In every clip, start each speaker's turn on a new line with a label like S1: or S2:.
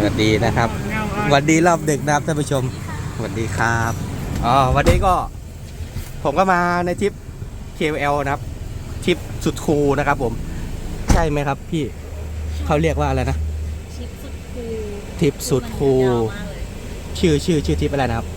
S1: วัสดีนะครับสวัสดีรอบดึกนะครับท่านผู้ชมสวัสดีครับวันนี้ก็ผมก็มาในทริป KL นะครับทริปสุดคูลนะครับผมใช่ไหมครับพี่เขาเรียกว่าอะไรนะ
S2: ทริปสุดคูล
S1: ทริปสุดคูลชื่อทริปอะไรนะครับ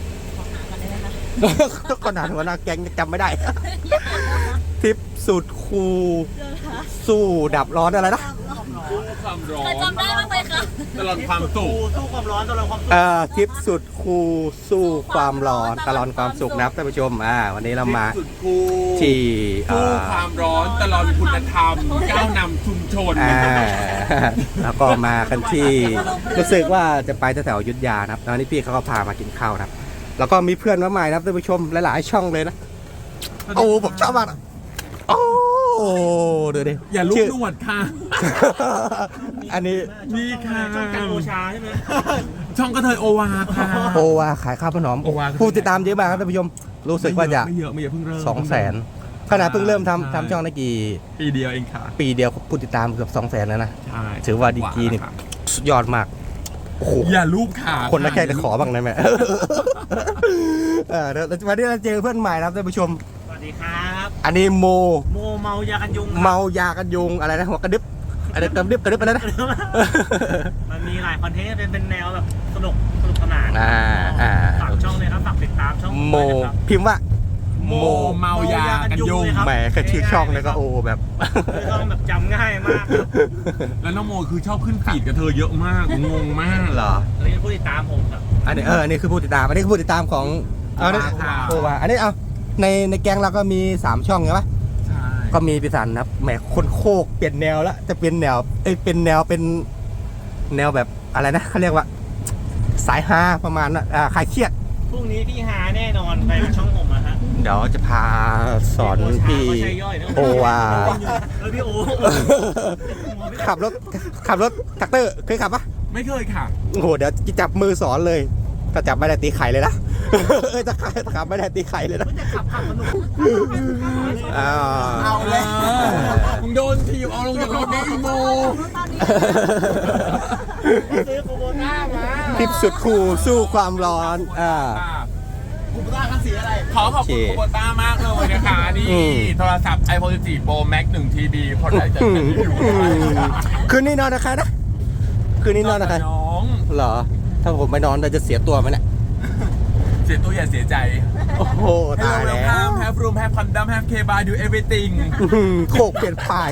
S1: ขนาดหัวหน้าแก๊งจำไม่ได้ทริปสุดคูลสู้ดับร้อนอะไรนะ
S3: ความร้อน
S2: จำได้บ้างไหมคะ
S3: ตลอดความสุข
S4: สู้ความร้อนตลอดความสุข
S1: ทริปสุดคูลสู้ความร้อนตลอดความสุขนะครับท่านผู้ชมวันนี้เรามาที่
S3: สู้ความร้อนตลอดคุณธรรมก้าวนำชุมชน
S1: แล้วก็มากันที่รู้สึกว่าจะไปแถวอยุธยานะครับตอนนี้พี่เขาก็พามากินข้าวนะครับแล้วก็มีเพื่อนมาใหม่นะครับท่านผู้ชมหลายๆช่องเลยนะโอ้ผมชอบมากโอ้ดูดิ
S3: อย่าลุกนวดค่ะ
S1: อันนี้
S3: นี่ค่ะ
S4: ช่องกันโอชาใช่ไหม
S3: ช่องกระเทยโอวาค่ะ
S1: โอวาขายข้าวขนมผู้ติดตามเยอะมากครับท่านผู้ชมรู้สึกว่าจะ
S3: ไม่เยอะเพิ่งเริ่ม
S1: 200,000ขนาดเพิ่งเริ่มทำช่องได้กี่
S3: ปีเดียวเองค่ะ
S1: ปีเดียวผู้ติดตามเกือบ200,000แล้วนะถือว่าดีกีนี่สุดยอดมากโอ้โห
S3: อย่าลูบขา
S1: คนละแค่จะขอบ้างได้ไหมวันนี้เราเจอเพื่อนใหม่ครับท่านผู้ชม
S4: สวัสดีครับ
S1: อันนี้โม
S4: เมายากันยุง
S1: เมายากันยุงอะไรนะหัวกระดึบอะไรกระดึบอะไรนะ
S4: มันมีหลายคอนเทนต์เป็นแนวแบบสนุกสนานฝากช่องเลยครับฝากติดตามช่อง
S1: โมพิมพ์ว่า
S3: โมเมายากันยุง
S1: แหมแค่ชื่อช่องเลยก็โอ้แบบ
S4: ช่องแบบจำง่ายมาก
S3: แล้วน้องโมคือชอบขึ้นฟีดกับเธอเยอะมากงงมาก
S1: เหรอ
S4: อันนี้ผู้ติดตามผมครับ
S1: อันนี้คือผู้ติดตามอันนี้คือผู้ติดตามของโอวาอันนี้ในแก๊งเราก็มี3ช่องใช่ปะ
S3: ใช่
S1: ก็มีพิสันครับแหมคนโคกเปลี่ยนแนวแล้วจะเป็นแนวเป็นแนวแบบอะไรนะเขาเรียกว่าสายฮาประมาณคลายเครียด
S4: พรุ่งนี้พี่ฮาแน่นอนไปช่องผมอะฮะ
S1: เดี๋ยวจะพาสอนพี่โอวา
S4: พี่โอ
S1: ขับรถแท็กเตอร์เคยขับปะ
S3: ไม่เคยค่ะ
S1: โอ้โหเดี๋ยวจับมือสอนเลยถ้าจับไม่ได้ตีไข่เลยนะถ้าขับไม่ได้ตีไข่เลยนะ
S4: ขับสนุก
S3: เอาเลยมึงโดนทีเอาลงจากรถได้อีโม
S4: ซื้อโคโบต้ามา
S1: ทริปสุดคูลสู้ความร้อน
S4: โคโบต้าคันสีอะไร
S3: ขอบคุณโคโบต้ามากเลยนะคะนี่โทรศัพท์ iPhone 14 Pro Max 1 TB พอได้จะอยู่
S1: คืนนี้นอนนะคะนะคืนนี้นอนนะคะ
S3: น้อง
S1: เหรอถ้าผมไปนอนจะเสียตัวไหมเนี่ย
S3: เสียตัวอย่าเสียใจ
S1: โอ้โหตายแล้ว
S3: แฮปรูมแฮปคอนดัมแฮปเคบาร์ดูเอเวอร์ติง
S1: โคกเปลี่ยนไผ่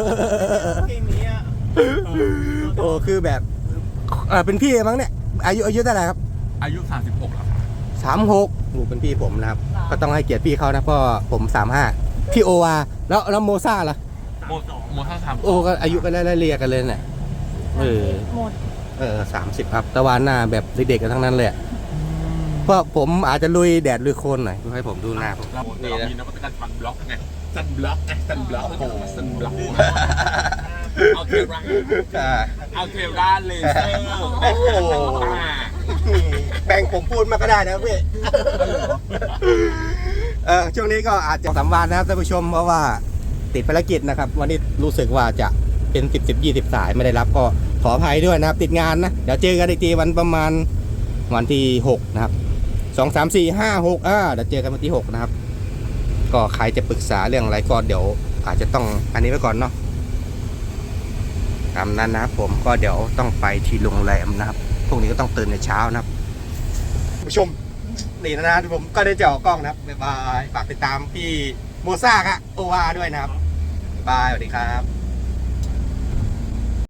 S1: โอ้คือแบบเป็นพี่มั้งเนี่ยอายุเท่าไหร่ครับ
S3: อายุ36แล้ว
S1: 36โอ้เป็นพี่ผมนะครับก็ต้องให้เกียรติพี่เขานะเพราะผม35พี่โอวาแล้วโมซ่าล่ะ
S3: โมซ่า
S1: โอ้ก็อายุกันไล่เรียกันเลยเนี่ย30ครับตะวันหน้าแบบเด็กๆกันทั้งนั้นเลยเพราะผมอาจจะลุยแดดลุยโคลนหน่อยให้ผมดูหน้าผม
S3: นี่นะมีนวัตกรรมซันบล็อกไงซันบล็อกโอ้ซันบล็อกเอาเทราเลเซอร์
S1: โอ้โหแบ่งผมพูดมาก็ได้นะพี่ช่วงนี้ก็อาจจะ3 วันนะครับท่านผู้ชมเพราะว่าติดภารกิจนะครับวันนี้รู้สึกว่าจะเป็น10-20 สายไม่ได้รับก็ขออภัยด้วยนะครับติดงานนะเดี๋ยวเจอกันอีกทีวันประมาณวันที่6นะครับ2 3 4 5 6เดี๋ยวเจอกันวันที่6นะครับก็ใครจะปรึกษาเรื่องอะไรก็เดี๋ยวอาจจะต้องอันนี้ไว้ก่อนเนาะตามนั้นนะครับผมก็เดี๋ยวต้องไปที่โรงแรมนะครับพวกนี้ก็ต้องตื่นในเช้านะครับผู้ชมนี่นะผมก็ได้เจาะกล้องนะครับบ๊ายบายฝากติดตามพี่โมซ่าครับโอวาด้วยนะครับบ๊ายบายสวัสดีครับ